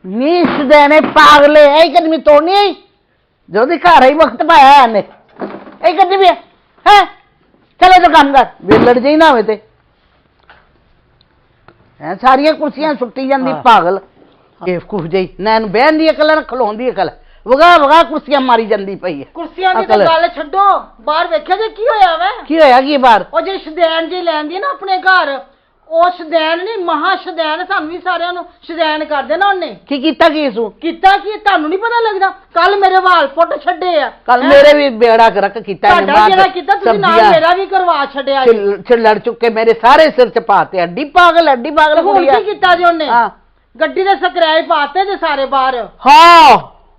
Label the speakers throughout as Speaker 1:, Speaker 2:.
Speaker 1: ਨੀ ਸਦੈਣੇ ਪਾਗਲੇ ਇਹ ਕਦਮੀ ਤੋੜਨੀ ਆਈ ਜੋ ਦੀ ਘਰ ਹੀ ਵਕਤ ਪਾਇਆ ਇਹਨੇ ਇਹ ਕਦੀ ਵੀ ਹੈ ਚਲੇ ਤਾਂ ਕੰਮ ਕਰ ਵੇਲੜ ਜਿਹੀ ਨਾ ਹੋਵੇ ਤੇ ਐ ਸਾਰੀਆਂ ਕੁਰਸੀਆਂ ਸੁੱਟੀ ਜਾਂਦੀ ਪਾਗਲ ਬੇਵਕੂਫ ਜਿਹੀ ਨਾ ਇਹਨੂੰ ਬਹਿਣ ਦੀ ਅਕਲ ਨਾ ਖਲੋਣ ਦੀ ਅਕਲ ਵਗਾ ਵਗਾ ਕੁਰਸੀਆਂ ਮਾਰੀ ਜਾਂਦੀ ਪਈ ਹੈ
Speaker 2: ਕੁਰਸੀਆਂ ਦੀ ਤਾਂ ਗੱਲ ਛੱਡੋ ਬਾਹਰ ਵੇਖਿਆ ਜੇ ਕੀ ਹੋਇਆ ਵਾ
Speaker 1: ਕੀ ਹੋਇਆ ਕੀ ਬਾਹਰ
Speaker 2: ਉਹ ਜਿਹੜੀ ਸ਼ਦੈਨ ਜੀ ਲੈਂਦੀ ਨਾ ਆਪਣੇ ਘਰ ਉਹ ਸ਼ਦੈਨ ਨਹੀਂ ਮਹਾ ਸ਼ਦੈਨ ਸਾਨੂੰ ਵੀ ਸਾਰਿਆਂ ਨੂੰ ਸ਼ਦੈਨ ਕਰ ਦੇਣਾ ਉਹਨੇ
Speaker 1: ਕੀ ਕੀਤਾ ਕੀ ਸੂ
Speaker 2: ਕੀਤਾ ਕੀ ਤੁਹਾਨੂੰ ਨਹੀਂ ਪਤਾ ਲੱਗਦਾ ਕੱਲ ਮੇਰੇ ਵਾਲ ਪੁੱਟ ਛੱਡੇ ਆ
Speaker 1: ਕੱਲ ਮੇਰੇ ਵੀ ਬੇੜਾ ਗਰਕ ਕੀਤਾ
Speaker 2: ਤੁਹਾਡਾ ਜਿਹੜਾ ਕੀਤਾ ਤੁਸੀਂ ਨਾਲ ਮੇਰਾ ਵੀ ਕਰਵਾ ਛੱਡਿਆ
Speaker 1: ਲੜ ਚੁੱਕੇ ਮੇਰੇ ਸਾਰੇ ਸਿਰ ਚ ਪਾਤੇ ਅੱਡੀ ਪਾਗਲ
Speaker 2: ਹੁਣ ਕੀ ਕੀਤਾ ਜੀ ਉਹਨੇ ਗੱਡੀ ਦੇ ਸਕਰਾਏ ਪਾਤੇ ਜੇ ਸਾਰੇ ਬਾਹਰ
Speaker 1: ਹਾਂ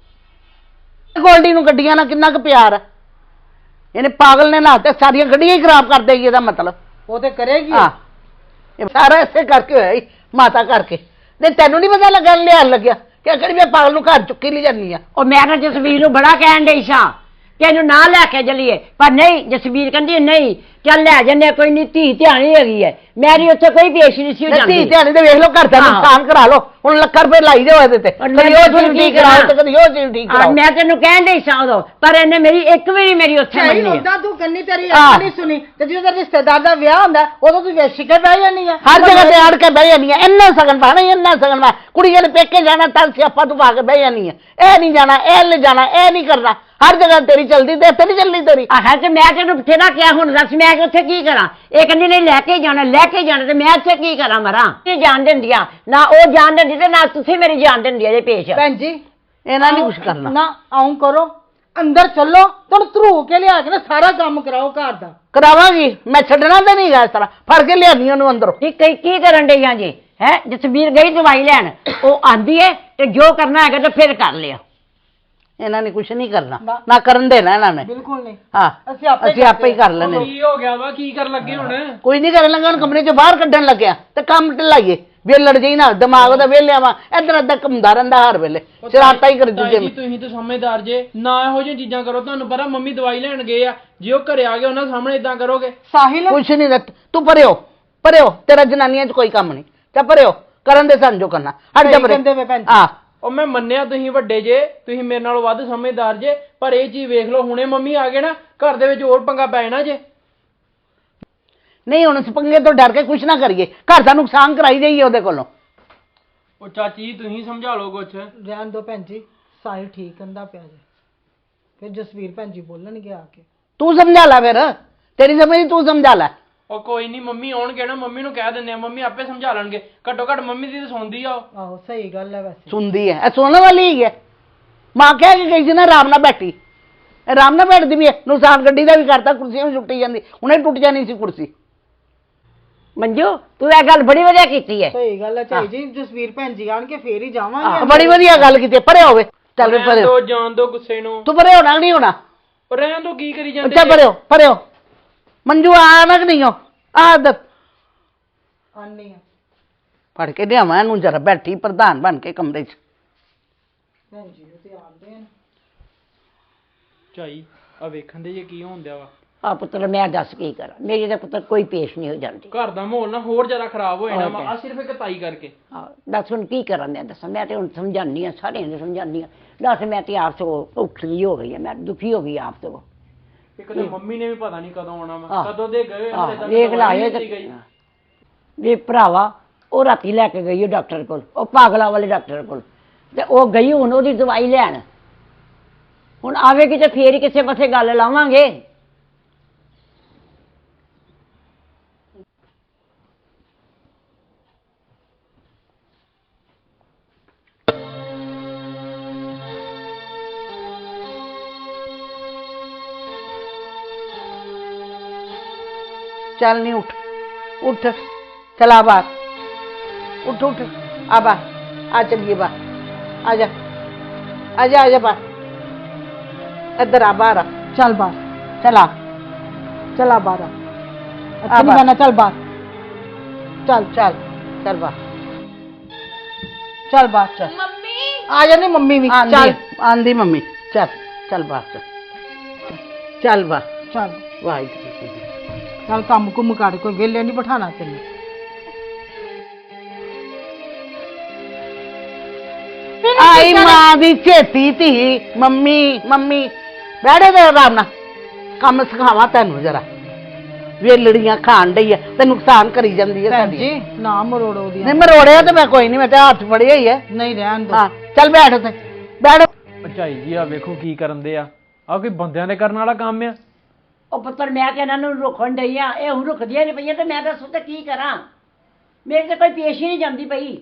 Speaker 1: ਗੋਲਡੀ ਨੂੰ ਗੱਡੀਆਂ ਨਾਲ ਕਿੰਨਾ ਕੁ ਪਿਆਰ ਹੈ ਇਹਨੇ ਪਾਗਲ ਨੇ ਨਾ ਤੇ ਸਾਰੀਆਂ ਗੱਡੀਆਂ ਹੀ ਖਰਾਬ ਕਰ ਦੇਗੀ ਇਹਦਾ ਮਤਲਬ
Speaker 2: ਉਹ ਤੇ ਕਰੇਗੀ
Speaker 1: ਹਾਂ ਇਹ ਸਾਰਾ ਇਸੇ ਕਰਕੇ ਹੋਇਆ ਮਾਤਾ ਕਰਕੇ ਤੇ ਤੈਨੂੰ ਨਹੀਂ ਪਤਾ ਲੱਗਾ ਲਿਆਣ ਲੱਗਿਆ ਕਿ ਕਿਹੜੀ ਮੈਂ ਪਾਗਲ ਨੂੰ ਘਰ ਚੁੱਕੀ ਲਈ ਜਾਂਦੀ ਆ
Speaker 3: ਉਹ ਮੈਂ ਤਾਂ ਜਸਵੀਰ ਨੂੰ ਬੜਾ ਕਹਿਣ ਡਈ ਸਾਂ ਕਿ ਇਹਨੂੰ ਨਾ ਲੈ ਕੇ ਚੱਲੀਏ ਪਰ ਨਹੀਂ ਜਸਵੀਰ ਕਹਿੰਦੀ ਨਹੀਂ ਚੱਲ ਲੈ ਜੰਨੇ ਕੋਈ ਨਹੀਂ ਧੀ ਧਿਆਣੀ ਹੈਗੀ ਹੈ ਮੇਰੀ ਉੱਥੇ ਕੋਈ ਪੇਸ਼ ਨਹੀਂ ਸੀ ਹੋ ਜਾਂਦੀ
Speaker 1: ਧੀ ਧਿਆਣੀ ਤੇ ਵੇਖ ਲਓ ਘਰ ਦਾ ਨੁਕਸਾਨ ਕਰਾ ਲਓ ਹੁਣ ਲੱਖ ਰੁਪਏ ਲਾਈ ਦੇ ਹੋਏ ਤੇ ਕਦੀ ਉਹ ਚੀਜ਼ ਠੀਕ ਕਰਾਓ ਤੇ ਕਦੀ ਉਹ ਚੀਜ਼ ਠੀਕ ਕਰਾਓ
Speaker 3: ਮੈਂ ਤੈਨੂੰ ਕਹਿਣ ਡਈ ਸਾਂ ਉਦੋਂ ਪਰ ਇਹਨੇ ਮੇਰੀ ਇੱਕ ਵੀ ਨਹੀਂ ਮੇਰੀ ਉੱਥੇ ਮੰਨੀ
Speaker 2: ਹੁੰਦਾ ਤੂੰ ਕੰਨੀ ਤੇਰੀ ਅੱਖ ਨਹੀਂ ਸੁਣੀ ਤੇ ਜਦੋਂ ਰਿਸ਼ਤੇਦਾਰ ਦਾ ਵਿਆਹ ਹੁੰਦਾ ਉਦੋਂ ਤੂੰ ਵੇਸ਼ ਕੇ ਬਹਿ ਜਾਂਦੀ ਆ
Speaker 1: ਹਰ ਜਗ੍ਹਾ ਤੇ ਆੜ ਕੇ ਬਹਿ ਜਾਂਦੀ ਆ ਇੰਨਾ ਸਗਨ ਪਾਣਾ ਇੰਨਾ ਸਗਨ ਪਾ ਕੁੜੀਆਂ ਨੇ ਪੇਕੇ ਜਾਣਾ ਤਾਂ ਸਿਆਪਾ ਤੂੰ ਪਾ ਕੇ ਬਹਿ ਜਾਂਦੀ ਆ ਇਹ ਨਹੀਂ ਜਾਣਾ ਇਹ ਲੈ ਜਾਣਾ ਇਹ ਨਹੀਂ ਕਰਨਾ ਹਰ ਜਗ੍ਹਾ ਤੇਰੀ ਚਲਦੀ ਤੇ ਇੱਥੇ ਨਹੀਂ ਚੱਲਦੀ ਤੇਰੀ
Speaker 3: ਆਹ ਤੇ ਮੈਂ ਤੈਨੂੰ ਬਥੇਰਾ ਕਿਹਾ ਹੁਣ ਦੱਸ ਮੈਂ ਉੱਥੇ ਕੀ ਕਰਾਂ ਇਹ ਕਹਿੰਦੀ ਨਹੀਂ ਲੈ ਕੇ ਜਾਣਾ ਤੇ ਮੈਂ ਇੱਥੇ ਕੀ ਕਰਾਂ ਮਰਾਂ ਇਹ ਜਾਣ ਦਿੰਦੀਆਂ ਨਾ ਉਹ ਜਾਣ ਦਿੰਦੀ ਤੇ ਨਾ ਤੁਸੀਂ ਮੇਰੀ ਜਾਣ ਦਿੰਦੀ ਇਹਦੇ ਪੇਸ਼
Speaker 2: ਭੈਣ ਜੀ
Speaker 1: ਇਹਨਾਂ ਨਹੀਂ ਕੁਛ ਕਰਨਾ
Speaker 2: ਨਾ ਆਉਂ ਕਰੋ ਅੰਦਰ ਚੱਲੋ ਤੁਹਾਨੂੰ ਧਰੂ ਕੇ ਲਿਆ ਕੇ ਨਾ ਸਾਰਾ ਕੰਮ ਕਰਾਓ ਘਰ ਦਾ
Speaker 1: ਕਰਾਵਾਂਗੀ ਮੈਂ ਛੱਡਣਾ ਤੇ ਨਹੀਂ ਗਾ ਇਸ ਤਰ੍ਹਾਂ ਫੜ ਕੇ ਲਿਆਨੀ ਉਹਨੂੰ ਅੰਦਰੋਂ
Speaker 3: ਕੀ ਕਰਨ ਡਈਆਂ ਜੀ ਹੈ ਜਸਵੀਰ ਗਈ ਦਵਾਈ ਲੈਣ ਉਹ ਆਂਦੀ ਹੈ ਤੇ ਜੋ ਕਰਨਾ ਹੈਗਾ ਤੇ ਫਿਰ ਕਰ ਲਿਆ
Speaker 1: ਇਹਨਾਂ ਨੇ ਕੁਛ ਨਹੀਂ ਕਰਨਾ ਨਾ ਕਰਨ ਦੇਣਾ ਇਹਨਾਂ ਨੇ
Speaker 2: ਬਿਲਕੁਲ ਨਹੀਂ
Speaker 1: ਹਾਂ ਅਸੀਂ ਆਪੇ ਹੀ ਕਰ ਲੈਣੇ
Speaker 4: ਕੀ ਹੋ ਗਿਆ ਵਾ ਕੀ ਕਰਨ ਲੱਗੇ ਹੁਣ
Speaker 1: ਕੋਈ ਨਹੀਂ ਕਰਨ ਲੱਗਾ ਹੁਣ ਕਮਰੇ ਚੋਂ ਬਾਹਰ ਕੱਢਣ ਲੱਗਿਆ ਤੇ ਕੰਮ ਢਲਾਈਏ ਵੇਲੜ ਜਿਹੀ ਨਾ ਦਿਮਾਗ ਉਹਦਾ ਵੇਲਿਆ ਵਾ ਇੱਧਰ ਅੱਧਾ ਘੁੰਮਦਾ ਰਹਿੰਦਾ ਹਰ ਵੇਲੇ ਸ਼ਰਾਰਤਾਂ ਹੀ ਕਰਦੀ
Speaker 4: ਜੀ ਤੁਸੀਂ ਤਾਂ ਸਮਝਦਾਰ ਜੇ ਨਾ ਇਹੋ ਜਿਹੀਆਂ ਚੀਜ਼ਾਂ ਕਰੋ ਤੁਹਾਨੂੰ ਪਤਾ ਮੰਮੀ ਦਵਾਈ ਲੈਣ ਗਏ ਆ ਜੇ ਉਹ ਘਰੇ ਆ ਗਏ ਉਹਨਾਂ ਸਾਹਮਣੇ ਇਦਾਂ ਕਰੋਗੇ
Speaker 2: ਸਾਹਿਲ
Speaker 1: ਕੁਛ ਨਹੀਂ ਤੂੰ ਪਰਿਓ ਤੇਰਾ ਜਨਾਨੀਆਂ 'ਚ ਕੋਈ ਕੰਮ ਨਹੀਂ ਤੇ ਪਰਿਓ ਕਰਨ ਦੇ ਸਾਨੂੰ ਜੋ ਕਰਨਾ ਹਟ ਜਾ ਪਰੇ ਹਾਂ
Speaker 4: ਉਹ ਮੈਂ ਮੰਨਿਆ ਤੁਸੀਂ ਵੱਡੇ ਜੇ ਤੁਸੀਂ ਮੇਰੇ ਨਾਲੋਂ ਵੱਧ ਸਮਝਦਾਰ ਜੇ ਪਰ ਇਹ ਚੀਜ਼ ਵੇਖ ਲਓ ਹੁਣੇ ਮੰਮੀ ਆ ਗਏ ਨਾ ਘਰ ਦੇ ਵਿੱਚ ਹੋਰ ਪੰਗਾ ਪੈ ਜਾਣਾ ਜੇ
Speaker 1: ਨਹੀਂ ਹੁਣ ਇਸ ਪੰਗੇ ਤੋਂ ਡਰ ਕੇ ਕੁਛ ਨਾ ਕਰੀਏ ਘਰ ਦਾ ਨੁਕਸਾਨ ਕਰਾਈ ਜਾਈਏ ਉਹਦੇ ਕੋਲੋਂ
Speaker 4: ਉਹ ਚਾਚੀ ਤੁਸੀਂ ਸਮਝਾ ਲਓ ਕੁਛ
Speaker 2: ਰਹਿਣ ਦੋ ਭੈਣ ਜੀ ਸਾਹਿਲ ਠੀਕ ਕਹਿੰਦਾ ਪਿਆ ਜੇ ਫਿਰ ਜਸਵੀਰ ਭੈਣ ਜੀ ਬੋਲਣਗੇ ਆ ਕੇ
Speaker 1: ਤੂੰ ਸਮਝਾ ਲੈ ਫਿਰ ਤੇਰੀ ਸਮਝ ਤੂੰ ਸਮਝਾ ਲੈ
Speaker 4: ਉਹ ਕੋਈ ਨਹੀਂ ਮੰਮੀ ਆਉਣਗੇ ਨਾ ਮੰਮੀ ਨੂੰ ਕਹਿ ਦਿੰਦੇ ਆ ਮੰਮੀ ਆਪੇ ਸਮਝਾ ਲੈਣਗੇ ਘੱਟੋ ਘੱਟ ਮੰਮੀ ਦੀ ਤਾਂ ਸੁਣਦੀ ਆ
Speaker 2: ਆਹੋ ਸਹੀ ਗੱਲ ਹੈ ਵੈਸੇ
Speaker 1: ਸੁਣਦੀ ਹੈ ਇਹ ਸੁਣਨ ਵਾਲੀ ਹੀ ਹੈ ਮਾਂ ਕਹਿ ਕੇ ਗਈ ਸੀ ਨਾ ਆਰਾਮ ਨਾਲ ਬੈਠੀ ਆਰਾਮ ਨਾਲ ਬੈਠਦੀ ਵੀ ਹੈ ਨੁਕਸਾਨ ਗੱਡੀ ਦਾ ਵੀ ਕਰਤਾ ਕੁਰਸੀਆਂ ਵੀ ਛੁੱਟੀ ਜਾਂਦੀ ਹੁਣੇ ਟੁੱਟ ਜਾਣੀ ਸੀ ਕੁਰਸੀ
Speaker 3: ਮੰਜੂ ਤੂੰ ਇਹ ਗੱਲ ਬੜੀ ਵਧੀਆ ਕੀਤੀ ਹੈ
Speaker 2: ਸਹੀ ਗੱਲ ਹੈ ਚਾਈ ਜੀ ਜਸਵੀਰ ਭੈਣ ਜੀ ਆਣ ਕੇ ਫੇਰ ਹੀ ਜਾਵਾਂਗੇ
Speaker 1: ਬੜੀ ਵਧੀਆ ਗੱਲ ਕੀਤੀ ਪਰੇ ਹੋਵੇ ਚੱਲ ਪਰੇ
Speaker 4: ਦੋ ਜਾਣ ਦੋ ਗੁੱਸੇ ਨੂੰ
Speaker 1: ਤੂੰ ਪਰੇ ਹੋਣਾ ਨਹੀਂ ਹੋਣਾ
Speaker 4: ਰਹਿਣ ਦੋ ਕੀ ਕਰੀ ਜਾਂਦੇ
Speaker 1: ਅੱਛਾ ਪਰੇ ਮੰਜੂ ਆਣਾ ਕਿ ਨਹੀਂ ਹੋ ਆਦਤ
Speaker 2: ਆਨੀ ਆ
Speaker 1: ਫੜ ਕੇ ਲਿਆਵਾਂ ਇਹਨੂੰ ਜਰਾ ਬੈਠੀ ਪ੍ਰਧਾਨ ਬਣ ਕੇ ਕਮਰੇ 'ਚ
Speaker 2: ਭੈਣ ਜੀ ਉਹ ਤੇ ਆਉਂਦੇ ਨੇ
Speaker 4: ਚਾਈ ਆ ਵੇਖਣ ਦੇ ਜੇ ਕੀ ਹੁੰਦਿਆ ਵਾ
Speaker 3: ਆ ਪੁੱਤਰ ਮੈਂ ਦੱਸ ਕੀ ਕਰਾਂ ਮੇਰੀ ਤਾਂ ਪੁੱਤਰ ਕੋਈ ਪੇਸ਼ ਨਹੀਂ ਹੋ ਜਾਂਦੀ
Speaker 4: ਘਰ ਦਾ ਮਾਹੌਲ ਨਾ ਹੋਰ ਜ਼ਿਆਦਾ ਖਰਾਬ ਹੋ ਜਾਣਾ ਵਾ ਆ ਸਿਰਫ ਇੱਕ ਤਾਈ ਕਰਕੇ
Speaker 3: ਦੱਸ ਹੁਣ ਕੀ ਕਰਾਂ ਮੈਂ ਦੱਸਾਂ ਮੈਂ ਤੇ ਹੁਣ ਸਮਝਾਉਂਦੀ ਹਾਂ ਸਾਰਿਆਂ ਨੂੰ ਸਮਝਾਉਂਦੀ ਹਾਂ ਦੱਸ ਮੈਂ ਤੇ ਆਪ ਤੋਂ ਔਖੀ ਹੋ ਗਈ ਹਾਂ ਮੈਂ ਦੁਖੀ ਹੋ ਗਈ ਆਪ ਤੋਂ
Speaker 4: ਇੱਕ ਤਾਂ ਮੰਮੀ ਨੇ ਵੀ ਪਤਾ ਨਹੀਂ ਕਦੋਂ ਆਉਣਾ ਵਾ ਕਦੋਂ ਦੇ ਗਏ
Speaker 3: ਵੇਖ ਲਾਏ ਵੀ ਭਰਾਵਾ ਉਹ ਰਾਤੀ ਲੈ ਕੇ ਗਈ ਉਹ ਡਾਕਟਰ ਕੋਲ ਉਹ ਪਾਗਲਾ ਵਾਲੇ ਡਾਕਟਰ ਕੋਲ ਤੇ ਉਹ ਗਈ ਹੁਣ ਉਹਦੀ ਦਵਾਈ ਲੈਣ ਹੁਣ ਆਵੇਗੀ ਤੇ ਫੇਰ ਹੀ ਕਿਸੇ ਪਾਸੇ ਗੱਲ ਲਾਵਾਂਗੇ
Speaker 1: ਚੱਲ ਨਹੀਂ ਉੱਠ ਚਲਾ ਬਾਹਰ ਉੱਠ ਆ ਬਾਹਰ ਆ ਚੱਲੀਏ ਬਾਹਰ ਆ ਜਾ ਬਾਹਰ ਇੱਧਰ ਆ ਬਾਹਰ
Speaker 2: ਚੱਲ ਬਾਹਰ
Speaker 1: ਚਲਾ
Speaker 2: ਬਾਹਰ ਅੱਛਾ ਨਹੀਂ ਜਾਣਾ ਚੱਲ ਬਾਹਰ
Speaker 1: ਚੱਲ ਬਾਹਰ
Speaker 2: ਮੰਮੀ ਆ ਜਾਣੀ ਮੰਮੀ ਵੀ
Speaker 1: ਚੱਲ ਆਂਦੀ ਮੰਮੀ ਚੱਲ ਬਾਹਰ ਚੱਲ ਵਾਹਿਗੁਰੂ
Speaker 2: ਚੱਲ ਕੰਮ ਕੁੰਮ ਕਰ ਕੋਈ ਵਿਹਲੇ ਨਹੀਂ ਬਿਠਾਣਾ ਤੈਨੂੰ
Speaker 1: ਮੇਰੀ ਮਾਂ ਦੀ ਝੇਤੀ ਧੀ ਮੰਮੀ ਮੰਮੀ ਬੈਠੇ ਤੇ ਆਰਾਮ ਨਾਲ ਕੰਮ ਸਿਖਾਵਾਂ ਤੈਨੂੰ ਜਰਾ ਵੇਲੜੀਆਂ ਖਾਣ ਡਈ ਆ ਤੇ ਨੁਕਸਾਨ ਕਰੀ ਜਾਂਦੀ ਹੈ
Speaker 2: ਭੈਣ
Speaker 1: ਸਾਡੀ
Speaker 2: ਜੀ ਨਾ ਮਰੋੜੋ ਦੀ
Speaker 1: ਨਹੀਂ ਮਰੋੜਿਆ ਤੇ ਮੈਂ ਕੋਈ ਨਹੀਂ ਮੈਂ ਤੇ ਹੱਥ ਫੜਿਆ ਹੀ ਹੈ
Speaker 2: ਨਹੀਂ ਰਹਿਣ ਦੋ
Speaker 1: ਹਾਂ ਚੱਲ ਬੈਠ ਉੱਤੇ ਬੈਠ
Speaker 4: ਭਰਜਾਈ ਜੀ ਆ ਵੇਖੋ ਕੀ ਕਰਨ ਦੇ ਆ ਕੋਈ ਬੰਦਿਆਂ ਦੇ ਕਰਨ ਵਾਲਾ ਕੰਮ ਆ।
Speaker 3: ਉਹ ਪੁੱਤਰ ਮੈਂ ਤੇ ਇਹਨਾਂ ਨੂੰ ਰੁਕਣ ਡਈ ਆ, ਇਹ ਹੁਣ ਰੁਕਦੀਆਂ ਨਹੀਂ ਪਈਆਂ ਤੇ ਮੈਂ ਦੱਸੋ ਤੇ ਕੀ ਕਰਾਂ, ਮੇਰੇ ਤੇ ਕੋਈ ਪੇਸ਼ ਹੀ ਨਹੀਂ ਜਾਂਦੀ ਪਈ।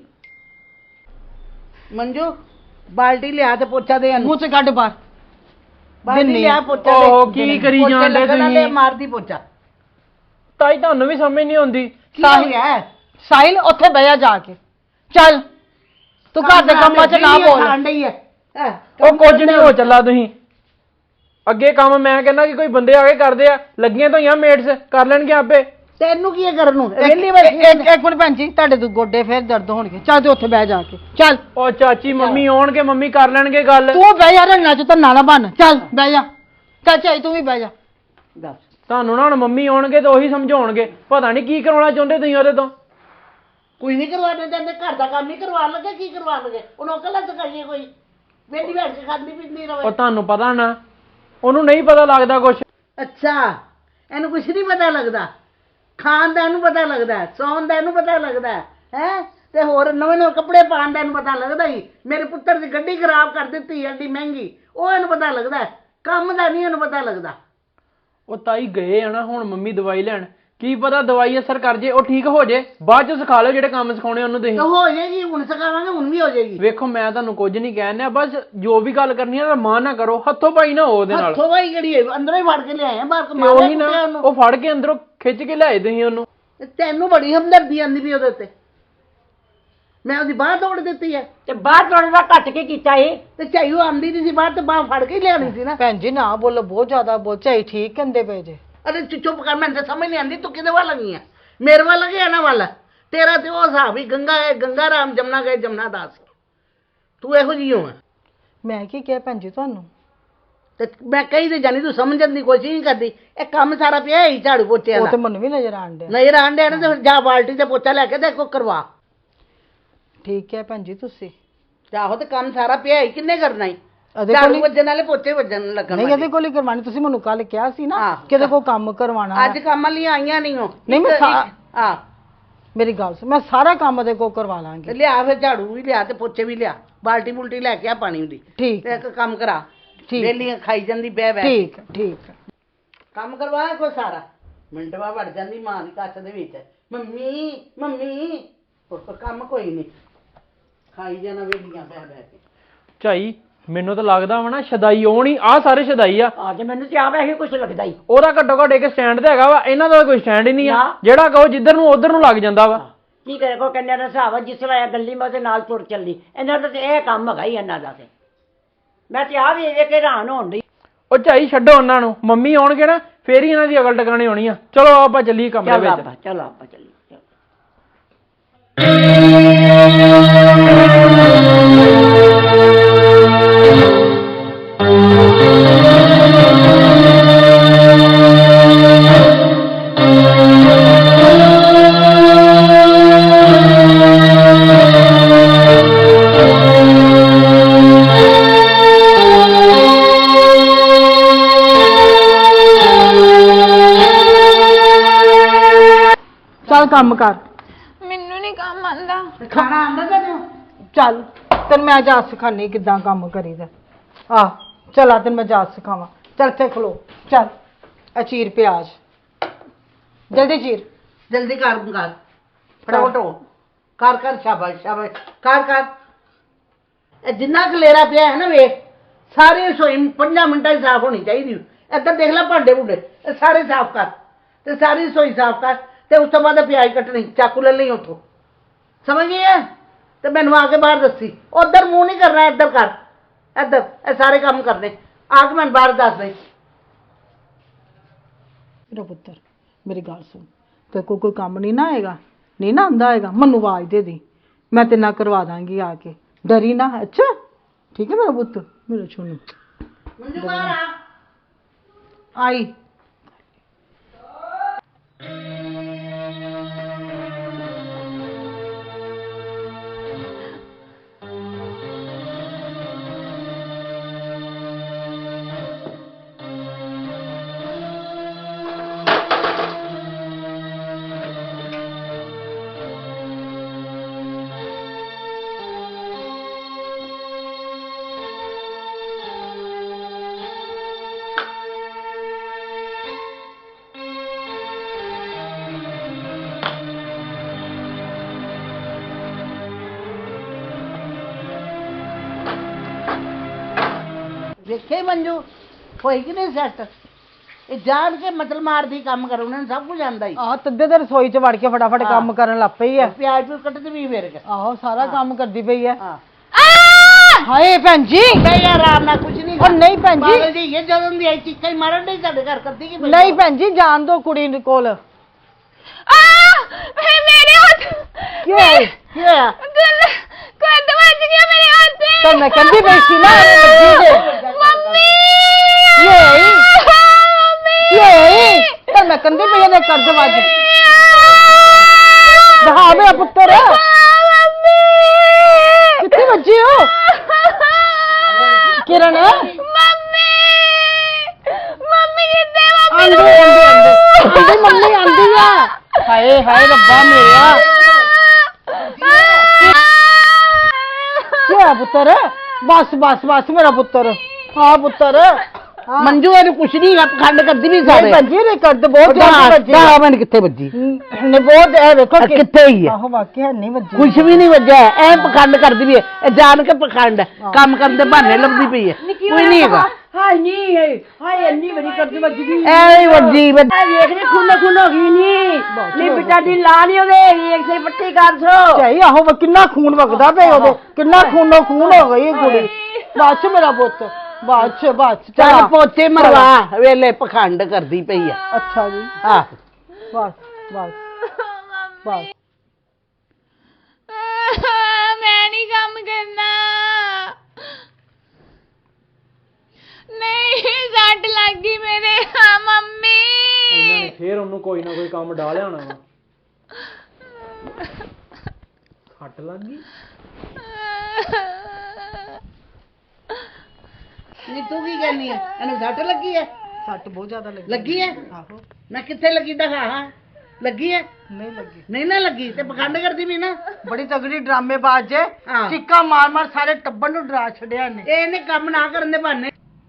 Speaker 1: ਮੰਜੂ ਬਾਲਟੀ ਲਿਆ ਤੇ ਪੋਚਾ ਦੇ ਇਹਨੂੰ
Speaker 2: ਮੂੰਹ ਚ ਕੱਢ ਬਾਹਰ
Speaker 1: ਬਾਲਟੀ ਲਿਆ ਪੋਚਾ ਦੇ
Speaker 4: ਉਹ ਕੀ ਕਰੀ
Speaker 1: ਪੋਚਾ
Speaker 4: ਜਾਂਦੇ
Speaker 1: ਲੱਗਣਾ ਤੇ
Speaker 4: ਤੁਸੀਂ?
Speaker 1: ਮਾਰਦੀ ਪੋਚਾ
Speaker 4: ਤਾਈ ਤੁਹਾਨੂੰ ਵੀ ਸਮਝ ਨਹੀਂ ਆਉਂਦੀ।
Speaker 1: ਕੀ ਹੋ ਗਿਆ
Speaker 2: ਸਾਹਿਲ ਉੱਥੇ ਬਹਿ ਜਾ ਕੇ ਚੱਲ ਤੂੰ ਘਰ ਦੇ ਕੰਮਾਂ ਚ ਨਾ ਬੋਲ
Speaker 1: ਖਾਣ ਡਈ ਹੈ
Speaker 4: ਉਹ ਕੁਝ ਨਹੀਂ ਹੋ ਚੱਲਾ ਤੁਸੀਂ ਅੱਗੇ ਕੰਮ ਮੈਂ ਕਹਿੰਦਾ ਕਿ ਕੋਈ ਬੰਦੇ ਆ ਕੇ ਕਰਦੇ ਆ, ਲੱਗੀਆਂ ਤਾਂ ਹੋਈਆਂ ਮੇਟਸ ਕਰ ਲੈਣਗੇ ਆਪੇ।
Speaker 1: ਤੈਨੂੰ ਕੀ ਹੈ ਕਰਨ ਨੂੰ
Speaker 2: ਇੱਕ
Speaker 1: ਵਿਹਲੀ ਬੈਠੀ
Speaker 2: ਇੱਕ ਮਿੰਟ ਭੈਣ ਜੀ ਤੁਹਾਡੇ ਤੋਂ ਗੋਡੇ ਫੇਰ ਦਰਦ ਹੋਣਗੇ ਚੱਲ ਤੇ ਉੱਥੇ ਬਹਿ ਜਾ ਕੇ ਚੱਲ
Speaker 4: ਉਹ ਚਾਚੀ ਮੰਮੀ ਆਉਣਗੇ, ਮੰਮੀ ਕਰ ਲੈਣਗੇ ਗੱਲ।
Speaker 2: ਤੂੰ ਬਹਿ ਜਾ ਰੰਨਾ ਚ ਤਾਂ ਨਾ ਬਣ ਚੱਲ ਬਹਿ ਜਾ ਚਾਚਾ ਤੂੰ ਵੀ ਬਹਿ ਜਾ
Speaker 3: ਦੱਸ
Speaker 4: ਤੁਹਾਨੂੰ ਨਾ ਹੁਣ ਮੰਮੀ ਆਉਣਗੇ ਤਾਂ ਉਹੀ ਸਮਝਾਉਣਗੇ, ਪਤਾ ਨਹੀਂ ਕੀ ਕਰਾਉਣਾ ਚਾਹੁੰਦੇ ਤੁਸੀਂ ਉਹਦੇ ਤੋਂ।
Speaker 1: ਕੋਈ ਨਹੀਂ ਕਰਵਾਣੇ ਜਾਂਦੇ ਘਰ ਦਾ ਕੰਮ ਨਹੀਂ ਕਰਵਾਉਣ ਲੱਗੇ ਕੀ ਕਰਵਾਉਣ ਲੱਗੇ ਉਹਨੂੰ ਕੱਲਾ ਸਿਖਾਈਏ ਕੋਈ ਵਿਹਲੀ ਬੈਠ ਕੇ ਖਾਂਦੀ ਪੀਂਦੀ
Speaker 4: ਉਹ
Speaker 1: ਰਵੇ
Speaker 4: ਤੁਹਾਨੂੰ ਪਤਾ ਨਾ ਉਹਨੂੰ ਨਹੀਂ ਪਤਾ ਲੱਗਦਾ ਕੁਛ।
Speaker 1: ਅੱਛਾ ਇਹਨੂੰ ਕੁਛ ਨਹੀਂ ਪਤਾ ਲੱਗਦਾ, ਖਾਣ ਦਾ ਇਹਨੂੰ ਪਤਾ ਲੱਗਦਾ, ਸੌਣ ਦਾ ਇਹਨੂੰ ਪਤਾ ਲੱਗਦਾ ਹੈ ਤੇ ਹੋਰ ਨਵੇਂ ਨਵੇਂ ਕੱਪੜੇ ਪਾਉਣ ਦਾ ਇਹਨੂੰ ਪਤਾ ਲੱਗਦਾ ਹੀ। ਮੇਰੇ ਪੁੱਤਰ ਦੀ ਗੱਡੀ ਖਰਾਬ ਕਰ ਦਿੱਤੀ ਐਡੀ ਮਹਿੰਗੀ, ਉਹ ਇਹਨੂੰ ਪਤਾ ਲੱਗਦਾ, ਕੰਮ ਦਾ ਨਹੀਂ ਇਹਨੂੰ ਪਤਾ ਲੱਗਦਾ।
Speaker 4: ਉਹ ਤਾਈ ਗਏ ਆ ਨਾ ਹੁਣ ਮੰਮੀ ਦਵਾਈ ਲੈਣ, ਕੀ ਪਤਾ ਦਵਾਈ ਅਸਰ ਕਰ ਜੇ, ਉਹ ਠੀਕ ਹੋ ਜੇ, ਬਾਅਦ ਚ ਸਿਖਾ ਲਿਓ ਜਿਹੜੇ ਕੰਮ ਸਿਖਾਉਣੇ ਉਹਨੂੰ ਤੁਸੀਂ।
Speaker 1: ਤਾਂ ਹੋ ਜਾਏਗੀ, ਹੁਣ ਸਿਖਾਵਾਂਗੇ ਹੁਣ ਵੀ ਹੋ ਜਾਏਗੀ।
Speaker 4: ਵੇਖੋ ਮੈਂ ਤੁਹਾਨੂੰ ਕੁਝ ਨਹੀਂ ਕਹਿਣਾ, ਬਸ ਜੋ ਵੀ ਗੱਲ ਕਰਨੀ ਹੈ ਮਾਂ ਨਾ ਕਰੋ, ਹੱਥੋਂ ਪਾਈ ਨਾ ਹੋ ਉਹਦੇ ਨਾਲ।
Speaker 1: ਹੱਥੋਂ ਬਾਈ ਕਿਹੜੀ ਹੈ, ਅੰਦਰੋਂ ਹੀ ਫੜ ਕੇ ਲਿਆਏ ਆ ਬਾਹਰ
Speaker 4: ਤੇ
Speaker 1: ਕਮਾ
Speaker 4: ਉਹੀ ਨਾ ਉਹ ਫੜ ਕੇ ਅੰਦਰੋਂ ਖਿੱਚ ਕੇ ਲਿਆਏ ਤੁਸੀਂ ਉਹਨੂੰ।
Speaker 1: ਤੈਨੂੰ ਬੜੀ ਹਮਦਰਦੀ ਆਂਦੀ ਵੀ ਉਹਦੇ ਉੱਤੇ, ਮੈਂ ਉਹਦੀ ਬਾਹ ਤੋੜ ਦਿੱਤੀ ਹੈ
Speaker 3: ਤੇ ਬਾਹਰ ਤੋੜਨ ਦਾ ਘੱਟ ਕੇ ਕੀਤਾ ਇਹ।
Speaker 1: ਤੇ ਝਾਈਓ ਆਂਦੀ ਨਹੀਂ ਸੀ ਬਾਹਰ ਤੇ ਬਾਹ ਫੜ ਕੇ ਹੀ ਲਿਆਣੀ ਸੀ ਨਾ।
Speaker 2: ਭੈਣ ਜੀ ਨਾ ਬੋਲੋ, ਬਹੁਤ ਜ਼ਿਆਦਾ ਬੋਲ ਝਾਈ ਠੀਕ ਕਹਿੰਦੇ ਪਏ ਜੇ।
Speaker 1: ਅਰੇ ਚੁੱਪ ਕਰ, ਮੈਨੂੰ ਤਾਂ ਸਮਝ ਨਹੀਂ ਆਂਦੀ ਤੂੰ ਕਿਹਦੇ ਵੱਲ ਲੱਗੀ ਆ, ਮੇਰੇ ਵੱਲ ਲੱਗੇ ਇਹਨਾਂ ਵੱਲ। ਤੇਰਾ ਤੇ ਉਹ ਹਿਸਾਬ ਹੀ ਗੰਗਾ ਹੈ ਗੰਗਾ ਰਾਮ, ਜਮਨਾ ਗਏ ਜਮਨਾ ਦਾਸ, ਤੂੰ ਇਹੋ ਜਿਹੀ ਹੋ।
Speaker 2: ਮੈਂ ਕੀ ਕਿਹਾ ਭੈਣ ਜੀ ਤੁਹਾਨੂੰ?
Speaker 1: ਤੇ ਮੈਂ ਕਹੀ ਤੇ ਜਾਨੀ, ਤੂੰ ਸਮਝਣ ਦੀ ਕੋਸ਼ਿਸ਼ ਨਹੀਂ ਕਰਦੀ। ਇਹ ਕੰਮ ਸਾਰਾ ਪਿਆ ਹੀ ਝਾੜੂ ਪੋਚੇ
Speaker 2: ਉਹ
Speaker 1: ਦਾ,
Speaker 2: ਤੇ ਮੈਨੂੰ ਵੀ ਨਜ਼ਰ ਆਣ ਡਿਆ।
Speaker 1: ਨਹੀਂ ਰਾਣ ਦੇ ਤੇ ਜਾ ਬਾਲਟੀ ਤੇ ਪੋਚਾ ਲੈ ਕੇ ਤੇ ਕੋ ਕਰਵਾ।
Speaker 2: ਠੀਕ ਹੈ ਭੈਣ ਜੀ ਤੁਸੀਂ
Speaker 1: ਆਹੋ ਤੇ ਕੰਮ ਸਾਰਾ ਪਿਆ ਹੀ, ਕਿੰਨੇ ਕਰਨਾ ਹੀ?
Speaker 2: ਇਹਦੇ
Speaker 1: ਝਾੜੂ
Speaker 2: ਕੋਲ ਹੀ-
Speaker 1: ਵੱਜਣ ਵਾਲੇ ਪੋਚੇ ਵੱਜਣ ਲੱਗਣ
Speaker 2: ਨਹੀਂ
Speaker 1: ਵਾਲੇ।
Speaker 2: ਇਹਦੇ ਕੋਲ ਹੀ ਕਰਵਾਣੀ, ਤੁਸੀਂ ਮੈਨੂੰ ਕੱਲ ਕਿਹਾ ਸੀ ਨਾ
Speaker 1: ਹਾਂ।
Speaker 2: ਕਿ ਇਹਦੇ ਕੋਲ ਕੰਮ ਕਰਵਾਉਣਾ।
Speaker 1: ਅੱਜ ਕੰਮ ਲਈ ਆਈਆਂ ਨਹੀਂ ਹੋ।
Speaker 2: ਨਹੀਂ, ਮੈਂ
Speaker 1: ਹਾਂ
Speaker 2: ਮੇਰੀ ਗੱਲ ਸੁਣ, ਮੈਂ ਸਾਰਾ ਕੰਮ ਇਹਦੇ ਕੋਲ ਕਰਵਾ
Speaker 1: ਤੇ
Speaker 2: ਲਾਂਗੀ।
Speaker 1: ਲਿਆ ਫਿਰ ਝਾੜੂ ਵੀ ਲਿਆ ਤੇ ਪੋਚੇ ਵੀ ਲਿਆ, ਬਾਲਟੀ ਬੁਲਟੀ ਲੈ ਕੇ ਆ ਪਾਣੀ ਦੀ,
Speaker 2: ਠੀਕ
Speaker 1: ਤੇ ਇੱਕ ਕੰਮ ਕਰਾ।
Speaker 2: ਠੀਕ
Speaker 1: ਵੇਲੀਆਂ ਖਾਈ ਜਾਂਦੀ ਬਹਿ ਬਹਿ।
Speaker 2: ਠੀਕ ਠੀਕ
Speaker 1: ਕੰਮ ਕਰਵਾਇਆ ਕੋਈ ਸਾਰਾ, ਮਿੰਟ ਬਾਅਦ ਵੜ ਜਾਂਦੀ ਮਾਂ ਦੀ ਕੱਛ ਦੇ ਵਿੱਚ, ਮੰਮੀ ਮੰਮੀ। ਹੋਰ ਕੋਈ ਕੰਮ ਕੋਈ ਨਹੀਂ, ਖਾਈ ਜਾਣਾ ਵੇਲੀਆਂ ਬਹਿ ਬਹਿ ਕੇ।
Speaker 4: ਝਾਈ ਮੈਨੂੰ ਤਾਂ ਲੱਗਦਾ ਵਾ ਨਾ ਸ਼ਦਾਈ ਹੋਣੀ, ਆਹ ਸਾਰੇ ਸ਼ਦਾਈ ਆ।
Speaker 3: ਅੱਜ ਮੈਨੂੰ ਤੇ ਆਪ ਇਹੀ ਕੁਛ ਲੱਗਦਾ ਹੀ।
Speaker 4: ਉਹਦਾ ਘੱਟੋ ਘੱਟ ਇੱਕ ਸਟੈਂਡ ਤੇ ਹੈਗਾ ਵਾ, ਇਹਨਾਂ ਦਾ ਕੋਈ ਸਟੈਂਡ ਹੀ ਨਹੀਂ ਆ।
Speaker 3: ਨਾ।
Speaker 4: ਜਿਹੜਾ ਕਹੋ ਜਿੱਧਰ ਨੂੰ ਉਧਰ ਨੂੰ ਲੱਗ ਜਾਂਦਾ ਵਾ।
Speaker 3: ਕੀ ਕਰੇ ਕੋ ਕੰਨਿਆ ਦਾ ਹਿਸਾਬ ਆ, ਜਿਸ ਤਰ੍ਹਾਂ ਇਹ ਗੱਲੀ ਮੈਂ ਉਹਦੇ ਨਾਲ ਤੁਰ ਚੱਲੀ, ਇਹਨਾਂ ਦਾ ਤੇ ਇਹ ਕੰਮ ਹੈਗਾ ਹੀ ਇਹਨਾਂ ਦਾ। ਤੇ ਮੈਂ ਤੇ ਆ ਵੇਖ ਕੇ ਹੈਰਾਨ ਹੋਣ ਡਈ।
Speaker 4: ਉਹ ਝਾਈ ਛੱਡੋ ਉਹਨਾਂ ਨੂੰ, ਮੰਮੀ ਆਉਣਗੇ ਨਾ ਫੇਰ ਹੀ ਇਹਨਾਂ ਦੀ ਅਕਲ ਟਿਕਾਣੀ ਹੋਣੀ ਆ। ਚਲੋ ਆਪਾਂ ਚੱਲੀਏ ਕਮਰੇ
Speaker 3: ਚੱਲ
Speaker 4: ਵਿੱਚ।
Speaker 3: ਆਪਾਂ ਚੱਲ ਆਪਾਂ ਚੱਲੀਏ।
Speaker 2: ਚੱਲ ਕੰਮ ਕਰ।
Speaker 5: ਮੈਨੂੰ ਨਹੀਂ ਕੰਮ ਆਂਦਾ।
Speaker 1: ਖਾਣਾ ਆਂਦਾ ਤੈਨੂੰ?
Speaker 2: ਚੱਲ ਤੈਨੂੰ ਮੈਂ ਜਾਚ ਸਿਖਾਨੀ ਕਿੱਦਾਂ ਕੰਮ ਕਰੀਦਾ। ਆ ਚਲਾ ਤੈਨੂੰ ਮੈਂ ਜਾਚ ਸਿਖਾਵਾਂ। ਚੱਲ ਇੱਥੇ ਖਲੋ, ਚੱਲ ਆ ਚੀਰ ਪਿਆਜ਼, ਜਲਦੀ ਚੀਰ।
Speaker 1: ਜਲਦੀ ਕਰ ਫਟਾਫਟ ਹੋ, ਕਰ ਕਰ, ਸ਼ਾਬਾਸ਼ ਸ਼ਾਬਾਸ਼, ਕਰ। ਇਹ ਜਿੰਨਾ ਖਲੇਰਾ ਪਿਆ ਹੈ ਨਾ ਵੇਖ, ਸਾਰੀ ਰਸੋਈ 5 ਮਿੰਟਾਂ 'ਚ ਸਾਫ਼ ਹੋਣੀ ਚਾਹੀਦੀ। ਇੱਧਰ ਦੇਖ ਲੈ ਭਾਂਡੇ ਭੁੰਡੇ, ਇਹ ਸਾਰੇ ਸਾਫ਼ ਕਰ ਤੇ ਸਾਰੀ ਰਸੋਈ ਸਾਫ਼ ਕਰ, ਤੇ ਉਸ ਤੋਂ ਬਾਅਦ ਪਿਆਜ਼ ਕੱਟਣੀ, ਚਾਕੂ ਲੈ ਲਈ ਉੱਥੋਂ, ਸਮਝ ਗਈ ਹੈ? ਤੇ ਮੈਨੂੰ ਆ ਕੇ ਬਾਹਰ ਦੱਸੀ, ਉਧਰ ਮੂੰਹ ਨਹੀਂ ਕਰਨਾ, ਇੱਧਰ ਕਰ, ਇੱਧਰ ਇਹ ਸਾਰੇ ਕੰਮ ਕਰਨੇ। ਆ ਕੇ ਮੈਨੂੰ ਬਾਹਰ ਦੱਸ ਦੇ।
Speaker 2: ਮੇਰਾ ਪੁੱਤਰ ਮੇਰੀ ਗੱਲ ਸੁਣ, ਤੇ ਕੋਈ ਕੰਮ ਨਹੀਂ ਨਾ ਆਏਗਾ, ਨਹੀਂ ਨਾ ਆਂਦਾ ਹੈਗਾ, ਮੈਨੂੰ ਆਵਾਜ਼ ਦੇ ਦੀ, ਮੈਂ ਤੇ ਨਾ ਕਰਵਾ ਦਾਂਗੀ ਆ ਕੇ, ਡਰੀ ਨਾ। ਅੱਛਾ ਠੀਕ ਹੈ ਮੇਰਾ ਪੁੱਤ, ਮੇਰਾ ਛੋਨੂ।
Speaker 1: ਮੰਜੂ ਬਾਹਰ ਆ।
Speaker 2: ਆਈ
Speaker 1: ਦੇਖੇ ਮੰਜੂ ਹੋਈ ਕਿ ਨਹੀਂ ਸੈੱਟ ਇਹ ਜਾਣ ਕੇ ਮਤਲਬ ਮਾਰਦੀ ਕੰਮ ਕਰ ਉਹਨਾਂ ਨੂੰ ਸਭ ਕੁਝ ਆਂਦਾ ਹੀ
Speaker 2: ਆਹ ਤੱਦੇ ਤੇ ਰਸੋਈ 'ਚ ਵੜ ਕੇ ਫਟਾਫਟ ਕੰਮ ਕਰਨ ਲੱਗ ਪਈ ਹੈ
Speaker 1: ਪਿਆਜ਼ ਵੀ ਕੱਟਦੀ ਵੀ ਫੇਰ ਕੇ
Speaker 2: ਆਹੋ ਸਾਰਾ ਕੰਮ ਕਰਦੀ ਪਈ ਹੈ
Speaker 1: ਹਾਂ
Speaker 2: ਹਾਏ ਭੈਣ ਜੀ
Speaker 1: ਨਹੀਂ ਆਰਾਮ ਨਾਲ ਕੁਝ ਨਹੀਂ
Speaker 2: ਉਹ ਨਹੀਂ ਭੈਣ ਜੀ
Speaker 1: ਪਾਗਲ ਜੀ ਇਹ ਜਦੋਂ ਦੀ ਆਈ ਚੀਕਾਂ ਹੀ ਮਾਰਨ ਨਹੀਂ ਸਾਡੇ ਘਰ ਕਰਦੀ ਕੀ
Speaker 2: ਨਹੀਂ ਭੈਣ ਜੀ ਜਾਣ ਦੋ ਕੁੜੀ ਕੋਲ
Speaker 5: ਆ ਮੇਰੇ ਹੱਥ
Speaker 2: ਕੀ ਹੋਇਆ
Speaker 1: ਕੀ ਹੋਇਆ
Speaker 5: ਕੱਦ ਵੱਜ ਗਿਆ ਮੇਰੇ ਹੱਥ ਤੇ
Speaker 2: ਤਾਂ ਮੈਂ ਕਹਿੰਦੀ ਪਈ ਸੀ ਨਾ ਇਹ ਬੱਜੀ ਦੇ
Speaker 5: ਮੰਮੀ
Speaker 2: ਕੀ ਹੋਈ
Speaker 5: ਮੰਮੀ
Speaker 2: ਕੀ ਹੋਈ ਤਾਂ ਮੈਂ ਕਹਿੰਦੀ ਪਈ ਇਹਦੇ ਕਰਦ ਵੱਜ ਹਾਂ ਮੇਰਾ ਪੁੱਤਰ
Speaker 5: ਮੰਮੀ
Speaker 2: ਕਿੱਥੇ ਵੱਜੀ ਹੋ ਕਿਰਨ
Speaker 5: ਮੰਮੀ ਮੰਮੀ ਕਿੱਥੇ
Speaker 2: ਆਂਦੀ ਆਂਦੀ ਮੰਮੀ ਆਂਦੀ ਆ ਹਾਏ ਹਾਏ ਰੱਬਾ ਮੇਰਾ ਕੀ ਹੋਇਆ ਪੁੱਤਰ ਬਸ ਬਸ ਬਸ ਮੇਰਾ ਪੁੱਤਰ ਹਾਂ ਪੁੱਤਰ
Speaker 1: ਮੰਜੂ ਇਹਨੂੰ ਕੁਛ ਨਹੀਂ ਪਖੰਡ ਕਰਦੀ ਵੀ ਸਾਰੇ
Speaker 2: ਨਹੀਂ ਭੱਜੀ ਨੇ ਕਰਦ ਬਹੁਤ ਜ਼ਿਆਦਾ ਵੱਜੀ
Speaker 1: ਦਾ ਮਿੰਟ ਕਿੱਥੇ ਵੱਜੀ
Speaker 2: ਨੇ ਬਹੁਤ ਇਹ ਵੇਖੋ ਕਿ
Speaker 1: ਕਿੱਥੇ ਹੀ ਹੈ
Speaker 2: ਆਹੋ ਵਾਕਿਆ ਨਹੀਂ ਵੱਜੀ
Speaker 1: ਕੁਛ ਵੀ ਨਹੀਂ ਵੱਜਿਆ ਐ ਪਖੰਡ ਕਰਦੀ ਵੀ ਹੈ ਇਹ ਜਾਣ ਕੇ ਪਖੰਡ ਹੈ ਕੰਮ ਕਰਨ ਦੇ ਬਹਾਨੇ ਲੱਭਦੀ ਪਈ ਹੈ ਕੋਈ ਨਹੀਂ ਹੈਗਾ
Speaker 3: ਹਾਏ ਨਹੀਂ ਹਾਏ ਇੰਨੀ ਬੜੀ ਕਰਦੀ ਵੱਜ ਗਈ
Speaker 1: ਐ ਹੀ ਵੱਜੀ
Speaker 3: ਵੇਖ ਨੇ ਖੂਨ ਹੋ ਗਈ ਨਹੀਂ ਬੇਟਾ ਦੀ ਲਾ ਨਹੀਂ ਉਹਦੇ ਇੱਕ ਸੇ ਪੱਟੀ ਕਰ ਸੋ
Speaker 2: ਚਾਹੀ ਆਹੋ ਕਿੰਨਾ ਖੂਨ ਵਗਦਾ ਪਿਆ ਉਹਦੇ ਕਿੰਨਾ ਖੂਨੋ ਖੂਨ ਹੋ ਗਈ ਇਹ ਕੁੜੀ ਬਾਅਦ ਚ ਮੇਰਾ ਪੁੱਤ ਬਾਅਦ ਚ
Speaker 1: ਚੱਲ ਪੋਚੇ ਮਰਵਾ ਵੇਲੇ ਪਖੰਡ ਕਰਦੀ ਪਈ ਹੈ
Speaker 2: ਅੱਛਾ ਜੀ
Speaker 1: ਆਹ
Speaker 2: ਬਸ ਬਸ ਬਸ
Speaker 5: ਮੈਂ ਨਹੀਂ ਕੰਮ ਕਰਨਾ ਨਹੀਂ ਸੱਟ ਲੱਗ ਗਈ ਮੇਰੇ ਮੰਮੀ
Speaker 4: ਇਹਨਾਂ ਨੇ ਫੇਰ ਉਹਨੂੰ ਕੋਈ ਨਾ ਕੋਈ ਕੰਮ ਡਾਲਿਆ ਹੋਣਾ ਵਾ ਹੱਟ ਲੱਗ ਗਈ
Speaker 1: ਨਹੀਂ ਤੂੰ ਕੀ ਕਹਿੰਦੀ ਹੈ ਇਹਨੂੰ ਸੱਟ ਲੱਗੀ ਹੈ
Speaker 2: ਸੱਟ ਬਹੁਤ ਜ਼ਿਆਦਾ
Speaker 1: ਲੱਗੀ ਹੈ
Speaker 2: ਆਹੋ
Speaker 1: ਮੈਂ ਕਿੱਥੇ ਲੱਗੀ ਦਿਖਾ ਹਾਂ ਲੱਗੀ ਹੈ
Speaker 2: ਨਹੀਂ ਲੱਗੀ
Speaker 1: ਨਹੀਂ ਨਾ ਲੱਗੀ ਤੇ ਪਖੰਡ ਕਰਦੀ ਵੀ ਨਾ
Speaker 2: ਬੜੀ ਤਗੜੀ ਡਰਾਮੇਬਾਜ਼ ਜੇ
Speaker 1: ਹਾਂ।
Speaker 2: ਚੀਕਾਂ ਮਾਰ ਮਾਰ ਸਾਰੇ ਟੱਬਰ ਨੂੰ ਡਰਾ ਛੱਡਿਆ ਨੇ
Speaker 1: ਇਹਨੇ ਕੰਮ ਨਾ ਕਰਨ ਦੇ ਬਹਾਨੇ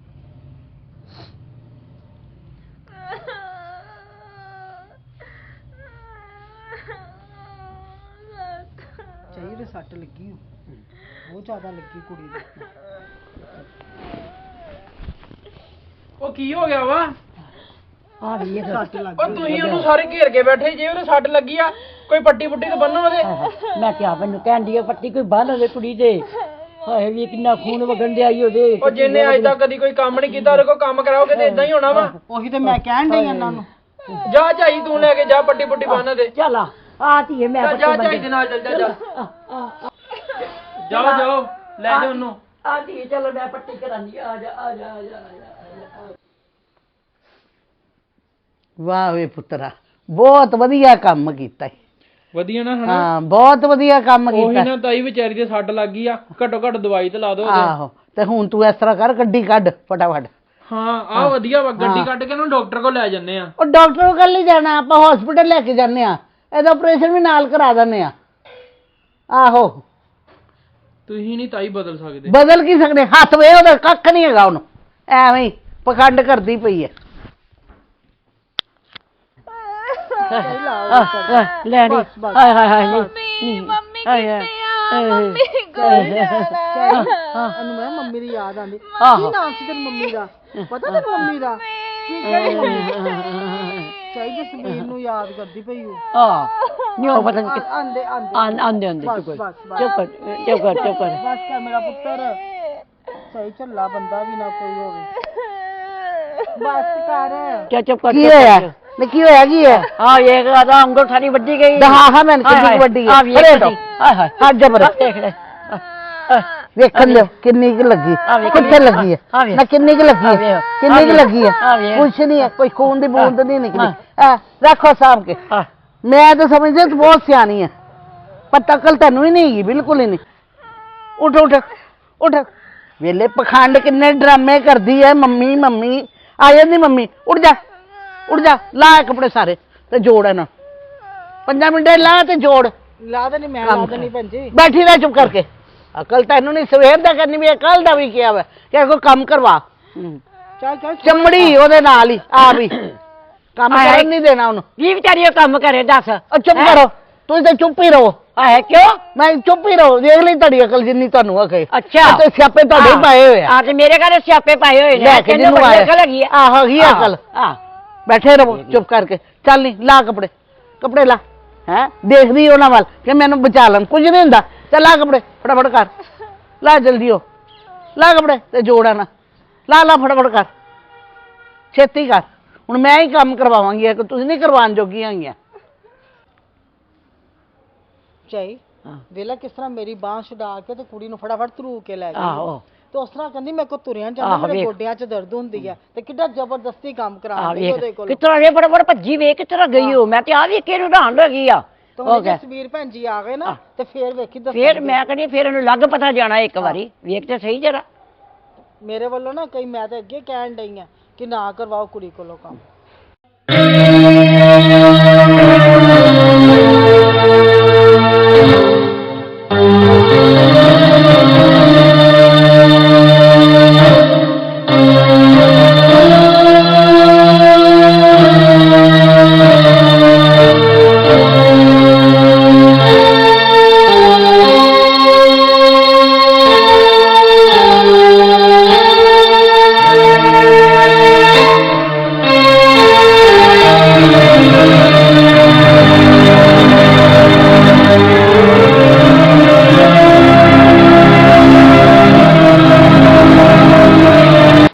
Speaker 2: ਚਾਹੀਏ ਸੱਟ ਲੱਗੀ ਹੋ ਬਹੁਤ ਜ਼ਿਆਦਾ ਲੱਗੀ ਕੁੜੀ ਦੀ
Speaker 4: ਉਹ ਕੀ ਹੋ ਗਿਆ ਵਾ
Speaker 3: ਆ ਵੀ ਇਹ
Speaker 2: ਸੱਟ ਲੱਗ
Speaker 4: ਉਹ ਤੁਸੀਂ ਉਹਨੂੰ ਸਾਰੇ ਘੇਰ ਕੇ ਬੈਠੇ ਜੇ ਉਹਦੇ ਸੱਟ ਲੱਗੀ ਆ ਕੋਈ ਪੱਟੀ ਪੁੱਟੀ ਤੇ ਬੰਨੋ ਉਹਦੇ
Speaker 3: ਮੈਂ ਕਿਹਾ ਮੈਨੂੰ ਕਹਿੰਦੀ ਆ ਪੱਟੀ ਕੋਈ ਬੰਨ ਉਹਦੇ ਕੁੜੀ ਦੇ ਹਾਏ ਵੀ ਕਿੰਨਾ ਖੂਨ ਵਗਣ ਡਿਆ ਈ ਉਹਦੇ
Speaker 4: ਉਹ ਜਿੰਨੇ ਅੱਜ ਤੱਕ ਕਦੀ ਕੋਈ ਕੰਮ ਨਹੀਂ ਕੀਤਾ ਉਹਦੇ ਕੋਲ ਕੰਮ ਕਰਾਓਗੇ ਤੇ ਇਦਾਂ ਹੀ ਹੋਣਾ ਵਾ
Speaker 2: ਉਹੀ ਤੇ ਮੈਂ ਕਹਿਣ ਡਈ ਇਹਨਾਂ ਨੂੰ
Speaker 4: ਜਾ ਝਾਈ ਤੂੰ ਲੈ ਕੇ ਜਾ ਪੱਟੀ ਪੁੱਟੀ ਬੰਨ ਦੇ
Speaker 3: ਚੱਲ ਆ ਧੀਏ ਮੈਂ
Speaker 4: ਜਾ ਝਾਈ ਦੇ ਨਾਲ ਚੱਲ ਜਾ ਜਾਓ ਜਾਓ ਲੈ ਜਾ ਉਹਨੂੰ
Speaker 3: ਆ ਧੀਏ ਚਲੋ ਮੈਂ ਪੱਟੀ ਕਰਾਂਗੀ ਆ ਜਾ ਆ ਜਾ ਆ ਜਾ
Speaker 1: ਵਾਹ ਵੇ ਪੁੱਤਰਾ ਬਹੁਤ ਵਧੀਆ ਕੰਮ ਕੀਤਾ ਈ।
Speaker 4: ਵਧੀਆ ਨਾ ਹਨਾ
Speaker 1: ਹਾਂ ਬਹੁਤ ਵਧੀਆ ਕੰਮ
Speaker 4: ਉਹੀ
Speaker 1: ਕੀਤਾ
Speaker 4: ਨਾ ਤਾਈ ਵਿਚਾਰੀ ਦੇ ਸੱਟ ਲੱਗ ਗਈ ਆ ਘੱਟੋ ਘੱਟ ਦਵਾਈ ਤੇ ਲਾ ਦੋ ਉਹਦੇ
Speaker 1: ਆਹੋ ਤੇ ਹੁਣ ਤੂੰ ਇਸ ਤਰ੍ਹਾਂ ਕਰ ਗੱਡੀ ਕੱਢ ਫਟਾਫਟ
Speaker 4: ਹਾਂ ਆ ਵਧੀਆ ਵਾ ਗੱਡੀ ਕੱਢ ਕੇ ਉਹਨੂੰ ਡਾਕਟਰ ਕੋਲ ਲੈ ਜੰਨੇ ਆ
Speaker 1: ਉਹ ਡਾਕਟਰ ਕੋਲ ਨਹੀਂ ਜਾਣਾ ਆਪਾਂ ਹਸਪੀਟਲ ਲੈ ਕੇ ਜਾਂਦੇ ਆ ਇਹਦਾ ਆਪਰੇਸ਼ਨ ਵੀ ਨਾਲ ਕਰਾ ਦਿੰਦੇ ਆ ਆਹੋ
Speaker 4: ਤੁਸੀਂ ਨਹੀਂ ਤਾਈ ਬਦਲ ਸਕਦੇ
Speaker 1: ਬਦਲ ਕੀ ਸਕਦੇ ਹੱਥ ਵੇ ਉਹਦਾ ਕੱਖ ਨਹੀਂ ਹੈਗਾ ਉਹਨੂੰ ਐਵੇਂ ਹੀ ਪਖੰਡ ਕਰਦੀ ਪਈ ਹੈ
Speaker 3: ਲੈ ਨੀ ਹਾਏ ਹਾਏ ਹਾਏ ਨੀ
Speaker 5: ਮੰਮੀ ਕਿੱਥੇ ਆ ਮੰਮੀ ਕੋਲ ਜਾਣਾ
Speaker 2: ਇਹਨੂੰ ਮੈਂ ਮੰਮੀ ਦੀ ਯਾਦ ਆਂਦੀ
Speaker 3: ਆਹੋ।
Speaker 2: ਕੀ ਨਾਮ ਸੀ ਤੇਰੀ ਮੰਮੀ ਦਾ ਪਤਾ ਤੇਰੀ ਮੰਮੀ ਦਾ ਕੀ ਕਹੀ ਚਾਹੀਦੀ ਸਮੀਰ ਨੂੰ ਯਾਦ ਕਰਦੀ ਪਈ ਉਹ
Speaker 3: ਆ ਨੀ ਉਹ ਪਤਾ ਨਹੀਂ
Speaker 2: ਆਂਦੇ ਆਂਦੇ
Speaker 3: ਆਂਦੇ ਆਂਦੇ
Speaker 2: ਬਸ,
Speaker 3: ਚੁੱਪ
Speaker 2: ਬਸ, ਬਸ।
Speaker 3: ਚੁੱਪ ਕਰ ਚੁੱਪ ਕਰ ਚੁੱਪ ਕਰ
Speaker 2: ਬਸ ਕਰ ਮੇਰਾ ਪੁੱਤਰ ਸਹੀ ਝੱਲਾ ਬੰਦਾ ਵੀ ਨਾ ਕੋਈ ਹੋਵੇ ਬਸ ਕਰ
Speaker 3: ਚੁੱਪ ਕਰ
Speaker 1: ਕੀ ਹੋਇਆ ਨੇ ਕੀ ਹੋਇਆ ਕੀ ਹੈ
Speaker 3: ਆ ਇਹ ਆਦਾ ਉਂਗਲ ਸਾਰੀ ਵੱਡੀ ਗਈ
Speaker 1: ਹਾਂ ਹਾਂ ਮੈਂ ਕਿੰਨੀ ਵੱਡੀ ਹੈ
Speaker 3: ਹਾਏ ਹਾਏ
Speaker 1: ਹੱਥ ਜਬਰ
Speaker 3: ਦੇਖ ਲੈ
Speaker 1: ਵੇਖਣ ਲਿਓ ਕਿੰਨੀ ਕੁ ਲੱਗੀ ਕਿੱਥੇ ਲੱਗੀ ਹੈ ਨਾ ਕਿੰਨੀ ਕੁ ਲੱਗੀ ਹੈ ਕਿੰਨੀ ਕੁ ਲੱਗੀ ਹੈ ਕੁਛ ਨਹੀਂ ਹੈ ਕੋਈ ਖੂਨ ਦੀ ਬੂੰਦ ਨਹੀਂ ਨਿਕਲੀ ਰੱਖੋ ਸਾਂਭ ਕੇ ਮੈਂ ਤਾਂ ਸਮਝਦਾ ਤੂੰ ਬਹੁਤ ਸਿਆਣੀ ਹੈ ਪਰ ਤਕਲ ਤੈਨੂੰ ਹੀ ਨਹੀਂ ਹੈਗੀ ਬਿਲਕੁਲ ਹੀ ਨਹੀਂ ਉੱਠ ਉੱਠ ਉੱਠ ਵੇਲੇ ਪਖੰਡ ਕਿੰਨੇ ਡਰਾਮੇ ਕਰਦੀ ਹੈ ਮੰਮੀ ਮੰਮੀ ਆ ਜਾਂਦੀ ਮੰਮੀ ਉੱਠ ਜਾ ਲਾ ਕੱਪੜੇ ਸਾਰੇ ਤੇ ਜੋੜ ਇਹਨਾਂ 5 ਮਿੰਟ ਲਾ ਤੇ ਜੋੜ
Speaker 2: ਲਾ ਦੇ ਨਹੀਂ ਮੈਂ ਲਾ ਦੇਣੀ ਭੈਣ ਜੀ
Speaker 1: ਬੈਠੀ ਰਹਿ ਚੁੱਪ ਕਰਕੇ ਅਕਲ ਤੈਨੂੰ ਨਹੀਂ ਸਵੇਰ ਦਾ ਕਰਨੀ ਵੀ ਕੱਲ ਦਾ ਵੀ ਕਿਹਾ ਵਾ ਕਿ ਕੋਈ ਕੰਮ ਕਰਵਾ
Speaker 2: ਚੱਲ ਚੱਲ
Speaker 1: ਚਮੜੀ ਉਹਦੇ ਨਾਲ ਹੀ ਆ ਵੀ ਕੰਮ ਕਰਨ ਨਹੀਂ ਦੇਣਾ ਉਹਨੂੰ
Speaker 3: ਕੀ ਵਿਚਾਰੀ ਉਹ ਕੰਮ ਕਰੇ ਦੱਸ
Speaker 1: ਚੁੱਪ ਕਰੋ ਤੁਸੀਂ ਤਾਂ ਚੁੱਪ ਹੀ ਰਹੋ
Speaker 3: ਹੈ ਕਿਉਂ?
Speaker 1: ਮੈਂ ਚੁੱਪ ਹੀ ਰਹੋ, ਦੇਖ ਲਈ ਤੁਹਾਡੀ ਅਕਲ ਜਿੰਨੀ ਤੁਹਾਨੂੰ ਆਖੇ।
Speaker 3: ਅੱਛਾ
Speaker 1: ਤੇ ਸਿਆਪੇ ਤੁਹਾਡੇ ਹੀ ਪਾਏ ਹੋਏ ਆ।
Speaker 3: ਆ ਤੇ ਮੇਰੇ ਘਰ ਸਿਆਪੇ ਪਾਏ ਹੋਏ ਨੇ।
Speaker 1: ਲੈ ਕੇ
Speaker 3: ਤੈਨੂੰ
Speaker 1: ਜਿਹਨੂੰ
Speaker 3: ਬੜੀ
Speaker 1: ਆਇਆ
Speaker 3: ਅਕਲ ਹੈਗੀ ਆ।
Speaker 1: ਆਹੋ ਹੀ ਅਕਲ।
Speaker 3: ਹਾਂ
Speaker 1: ਬੈਠੇ ਰਹੋ ਚੁੱਪ ਕਰਕੇ। ਚੱਲ ਨਹੀਂ ਲਾ ਕੱਪੜੇ, ਕੱਪੜੇ ਲਾ। ਹੈ ਦੇਖਦੀ ਉਹਨਾਂ ਵੱਲ ਕਿ ਮੈਨੂੰ ਬਚਾ ਲੈਣ, ਕੁਝ ਨਹੀਂ ਹੁੰਦਾ। ਚੱਲ ਲਾ ਕੱਪੜੇ ਫਟਾਫਟ ਕਰ, ਲਾ ਜਲਦੀ ਹੋ, ਲਾ ਕੱਪੜੇ ਤੇ ਜੋੜਾ ਨਾ, ਲਾ ਲਾ ਫਟਾਫਟ ਕਰ, ਛੇਤੀ ਕਰ। ਹੁਣ ਮੈਂ ਹੀ ਕੰਮ ਕਰਵਾਵਾਂਗੀ ਕਿ ਤੁਸੀਂ ਨਹੀਂ ਕਰਵਾਉਣ ਜੋਗੀਆਂ ਹੈਗੀਆਂ।
Speaker 2: ਚਾਈ ਵੇਲਾ ਕਿਸ ਤਰ੍ਹਾਂ ਮੇਰੀ ਬਾਂਹ ਛਡਾ ਕੇ ਤੇ ਕੁੜੀ ਨੂੰ ਫਟਾਫਟ ਧਰੂ ਕੇ ਲੈ ਗਈ।
Speaker 3: ਆਹੋ
Speaker 2: ਤੇ ਉਸ ਤਰ੍ਹਾਂ ਕਹਿੰਦੀ ਮੇਰੇ ਕੋ ਤੁਰਿਆ ਜਾਂਦਾ, ਮੇਰੇ ਗੋਡਿਆਂ 'ਚ ਦਰਦ ਹੁੰਦੀ ਹੈ ਤੇ ਕਿੱਡਾ ਜ਼ਬਰਦਸਤੀ ਕੰਮ ਕਰਾਉਂਦੀ ਉਹਦੇ ਕੋਲ।
Speaker 3: ਕਿਤਰਾ ਵੇ ਬੜਾ ਭੱਜੀ ਵੇ ਕਿਤਰਾ ਗਈ ਹੋ। ਮੈਂ ਤੇ ਆ ਵੀ ਕਿਹਨੂੰ ਢਾਣ ਲੱਗੀ ਆ।
Speaker 2: ਤੇ ਜਸਵੀਰ ਭੈਣ ਜੀ ਆ ਗਏ ਨਾ ਤੇ ਫੇਰ ਵੇਖੀ ਦੱਸ।
Speaker 3: ਫੇਰ ਮੈਂ ਕਹਿੰਦੀ ਫੇਰ ਇਹਨੂੰ ਲੱਗ ਪਤਾ ਜਾਣਾ ਇੱਕ ਵਾਰੀ, ਵੇਖ ਤੇ ਸਹੀ ਜਰਾ।
Speaker 2: ਮੇਰੇ ਵੱਲੋਂ ਨਾ ਕਈ ਮੈਂ ਤੇ ਅੱਗੇ ਕਹਿਣ ਡਈ ਆ ਕਿ ਨਾ ਕਰਵਾਓ ਕੁੜੀ ਕੋਲੋਂ ਕੰਮ।